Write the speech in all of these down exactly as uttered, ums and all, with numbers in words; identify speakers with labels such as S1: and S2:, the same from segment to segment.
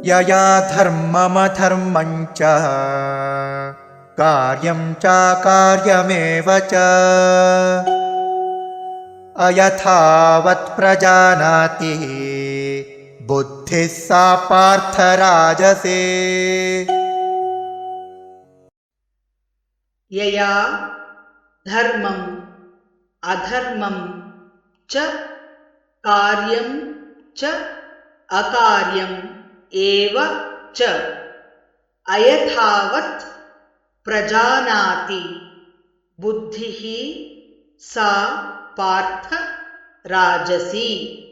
S1: यया धर्ममधर्मं च कार्यं चाकार्यमेव च अयथावत् प्रजानाति बुद्धिः सा पार्थ राजसे।
S2: यया धर्मं अधर्मं च कार्यं च अकार्यम् एव च अयथावत् प्रजानाति बुद्धिः सा पार्थ राजसी।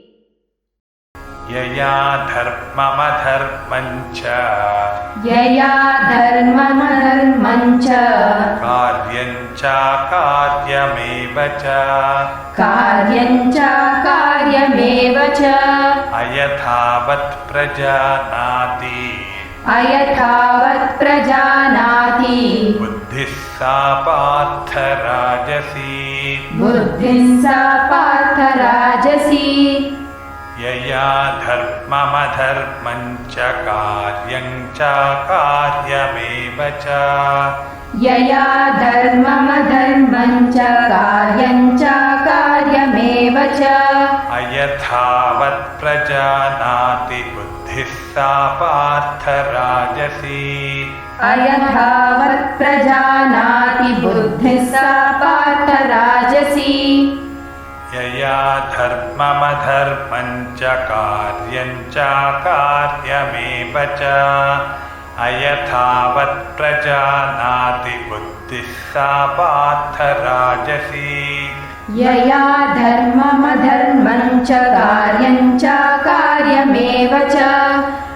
S3: यया धर्ममधर्मं च
S4: यया धर्ममधर्मं च
S3: कार्यं चाकार्यमेव च
S4: कार्यं चाकार्यमेव च
S3: अयथावत् प्रजानाति
S4: अयथावत् प्रजानाति
S3: बुद्धिः सा पार्थ राजसी।
S4: बुद्धिः सा पार्थ राजसी।
S3: यया धर्ममधर्मं च कार्यं चाकार्यमेव च
S4: यया धर्ममधर्मं च कार्यं चाकार्यमेव च
S3: अयथावत् प्रजानाति बुद्धिः सा पार्थ राजसी।
S4: अयथावत् प्रजानाति बुद्धिः सा पार्थ राजसी।
S3: यया धर्ममधर्मं च कार्यं चाकार्यमेव च अयथावत् प्रजानाति बुद्धिः सा पार्थ राजसी।
S4: यया धर्ममधर्मं च कार्यं चाकार्यमेव च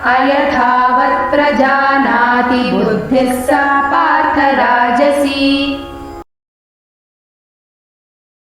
S4: अयथावत् प्रजानाति बुद्धिः सा पार्थ राजसी।